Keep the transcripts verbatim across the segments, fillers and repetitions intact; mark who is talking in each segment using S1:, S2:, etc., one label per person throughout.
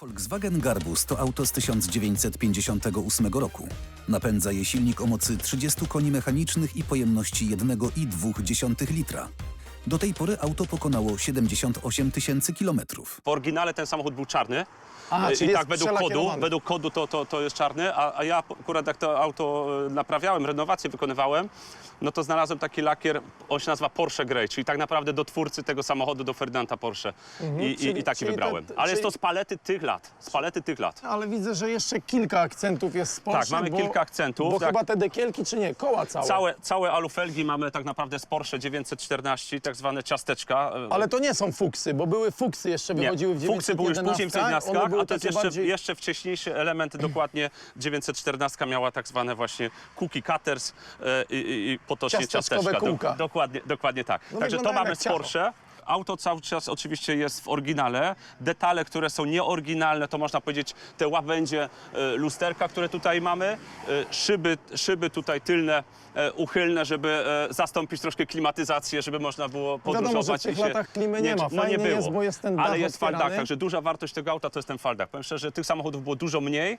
S1: Volkswagen Garbus to auto z tysiąc dziewięćset pięćdziesiątego ósmego roku. Napędza je silnik o mocy trzydziestu koni mechanicznych i pojemności jeden i dwa dziesiąte litra. Do tej pory auto pokonało siedemdziesiąt osiem tysięcy kilometrów.
S2: W oryginale ten samochód był czarny.
S3: A,
S2: I
S3: czyli
S2: tak
S3: jest
S2: według kodu,
S3: przelakierowany.
S2: według kodu to, to, to jest czarny, a, a ja akurat jak to auto naprawiałem, renowację wykonywałem, no to znalazłem taki lakier, on się nazywa Porsche Grey, czyli tak naprawdę do twórcy tego samochodu, do Ferdynanda Porsche.
S3: Mhm,
S2: I,
S3: czyli-
S2: i, I taki
S3: czyli
S2: wybrałem.
S3: te-
S2: Ale jest
S3: czyli-
S2: to z palety tych lat, z palety tych lat.
S3: Ale widzę, że jeszcze kilka akcentów jest z Porsche.
S2: Tak, mamy
S3: bo,
S2: kilka akcentów,
S3: Bo
S2: tak.
S3: chyba te dekielki, czy nie? Koła całe.
S2: Całe, całe alufelgi mamy tak naprawdę z Porsche dziewięćset czternaście, tak zwane ciasteczka.
S3: Ale to nie są fuksy, bo były fuksy jeszcze
S2: Nie,
S3: wychodziły w
S2: fuksy były już później w
S3: dziewięćset jedenaście,
S2: dziewiętnastkach,
S3: one były
S2: a to jest
S3: takie
S2: jeszcze,
S3: bardziej...
S2: jeszcze wcześniejszy element, dokładnie dziewięćset czternaście miała tak zwane właśnie cookie cutters e, i, i, i potocznie
S3: Ciasteczkowe
S2: ciasteczka.
S3: kółka.
S2: dokładnie, dokładnie tak.
S3: No
S2: Także to
S3: wyglądają
S2: mamy
S3: jak
S2: z
S3: ciacho.
S2: Porsche. Auto cały czas oczywiście jest w oryginale. Detale, które są nieoryginalne, to można powiedzieć te łabędzie e, lusterka, które tutaj mamy. E, szyby, szyby tutaj tylne, e, uchylne, żeby e, zastąpić troszkę klimatyzację, żeby można było podróżować.
S3: Wiadomo, że w tych
S2: i się-
S3: latach klimy nie ma.
S2: No nie
S3: Fajnie
S2: było.
S3: jest, bo jest ten dach
S2: Ale jest
S3: otwierany.
S2: faldak, także duża wartość tego auta to jest ten faldak. Powiem szczerze, tych samochodów było dużo mniej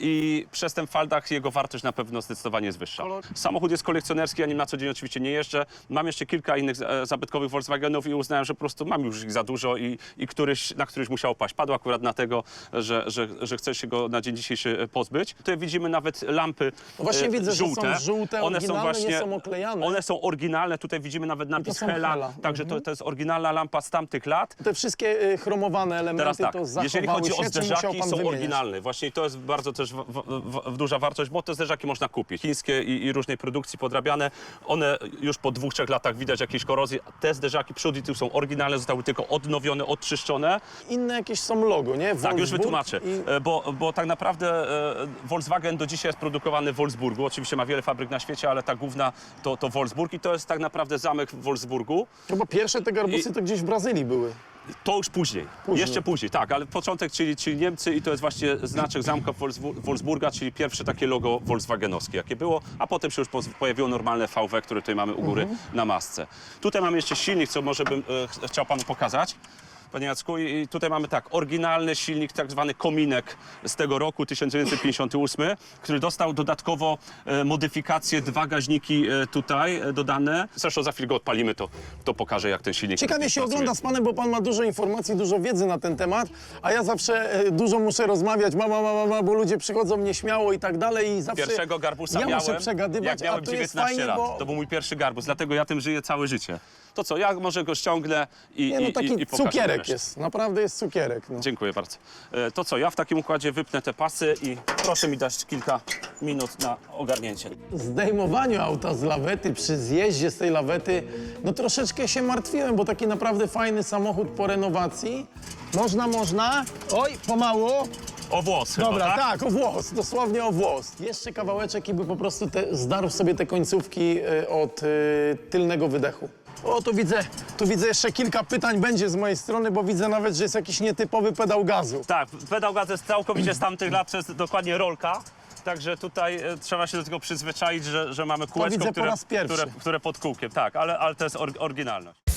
S2: i przez ten faldak jego wartość na pewno zdecydowanie jest wyższa.
S3: Kolor-
S2: Samochód jest kolekcjonerski, ja nim na co dzień oczywiście nie jeżdżę. Mam jeszcze kilka innych e, zabytkowych Volkswagenów i uznałem, że po prostu mam już ich za dużo i, i któryś, na któryś musiał paść. Padł akurat dlatego, że, że, że chcę się go na dzień dzisiejszy e, pozbyć. Tutaj widzimy nawet lampy
S3: No właśnie
S2: e,
S3: widzę, że są
S2: żółte.
S3: żółte, oryginalne, nie są oklejane.
S2: One są oryginalne, tutaj widzimy nawet napis
S3: są
S2: Hella,
S3: Hella.
S2: także to, to jest oryginalna lampa z tamtych lat.
S3: Te wszystkie y, chromowane elementy
S2: Teraz tak,
S3: to zachowały
S2: jeżeli chodzi
S3: się,
S2: o
S3: czy musiał
S2: zderzaki,
S3: pan
S2: są
S3: wymieniać?
S2: oryginalne. Właśnie to jest bardzo też w, w, w, duża wartość, bo te zderzaki można kupić. Chińskie i, i różnej produkcji podrabiane. One już po dwóch, trzech latach widać jakieś korozje. Te zderzaki przód i tył są oryginalne, zostały tylko odnowione, odczyszczone.
S3: Inne jakieś są logo, nie?
S2: Tak, już
S3: Wolfsburg
S2: wytłumaczę.
S3: I...
S2: E, Bo, bo tak naprawdę e, Volkswagen do dzisiaj jest produkowany w Wolfsburgu. Oczywiście ma wiele fabryk na świecie, ale ta główna to, to Wolfsburg i to jest tak naprawdę zamek w Wolfsburgu.
S3: No bo pierwsze te garbusy
S2: I-
S3: to gdzieś w Brazylii były.
S2: To już później.
S3: Później.
S2: Jeszcze później, tak, ale początek, czyli, czyli Niemcy i to jest właśnie znaczek zamka Wolfsbu- Wolfsburga, czyli pierwsze takie logo volkswagenowskie, jakie było, a potem się już poz- pojawiło normalne V W, które tutaj mamy u góry na masce. Tutaj mamy jeszcze silnik, co może bym e, ch- chciał panu pokazać. Panie Jacku, i i tutaj mamy tak, oryginalny silnik, tak zwany kominek z tego roku, tysiąc dziewięćset pięćdziesiąty ósmy, który dostał dodatkowo e, modyfikację, dwa gaźniki e, tutaj e, dodane. Zresztą za chwilę go odpalimy, to, to pokażę, jak ten silnik
S3: Ciekawie się
S2: pracuje.
S3: ogląda z panem, bo pan ma dużo informacji, dużo wiedzy na ten temat, a ja zawsze e, dużo muszę rozmawiać, mama, mama, mama, bo ludzie przychodzą nieśmiało i tak dalej i zawsze
S2: Pierwszego garbusa
S3: ja
S2: miałem,
S3: muszę przegadywać,
S2: jak miałem
S3: a tu jest
S2: dziewiętnaście
S3: fajnie,
S2: lat.
S3: bo...
S2: To był mój pierwszy garbus, dlatego ja tym żyję całe życie. To co, ja może go ściągnę i,
S3: Nie, no
S2: i,
S3: taki
S2: i, i pokażę
S3: cukierek
S2: resztę.
S3: jest, naprawdę jest cukierek. No.
S2: Dziękuję bardzo. E, To co, ja w takim układzie wypnę te pasy i proszę mi dać kilka minut na ogarnięcie.
S3: Zdejmowaniu auta z lawety, przy zjeździe z tej lawety, no troszeczkę się martwiłem, bo taki naprawdę fajny samochód po renowacji. Można, można. Oj, pomału.
S2: O włos chyba,
S3: Dobra,
S2: tak?
S3: tak, o włos, dosłownie o włos. Jeszcze kawałeczek i by po prostu te, zdarł sobie te końcówki y, od y, tylnego wydechu. O, tu widzę, tu widzę jeszcze kilka pytań będzie z mojej strony, bo widzę nawet, że jest jakiś nietypowy pedał gazu.
S2: Tak, pedał gaz jest całkowicie z tamtych lat, to jest dokładnie rolka. Także tutaj e, trzeba się do tego przyzwyczaić, że, że mamy kółeczko,
S3: widzę po
S2: które,
S3: raz pierwszy.
S2: które, które pod kółkiem. Tak, ale, ale to jest or, oryginalność.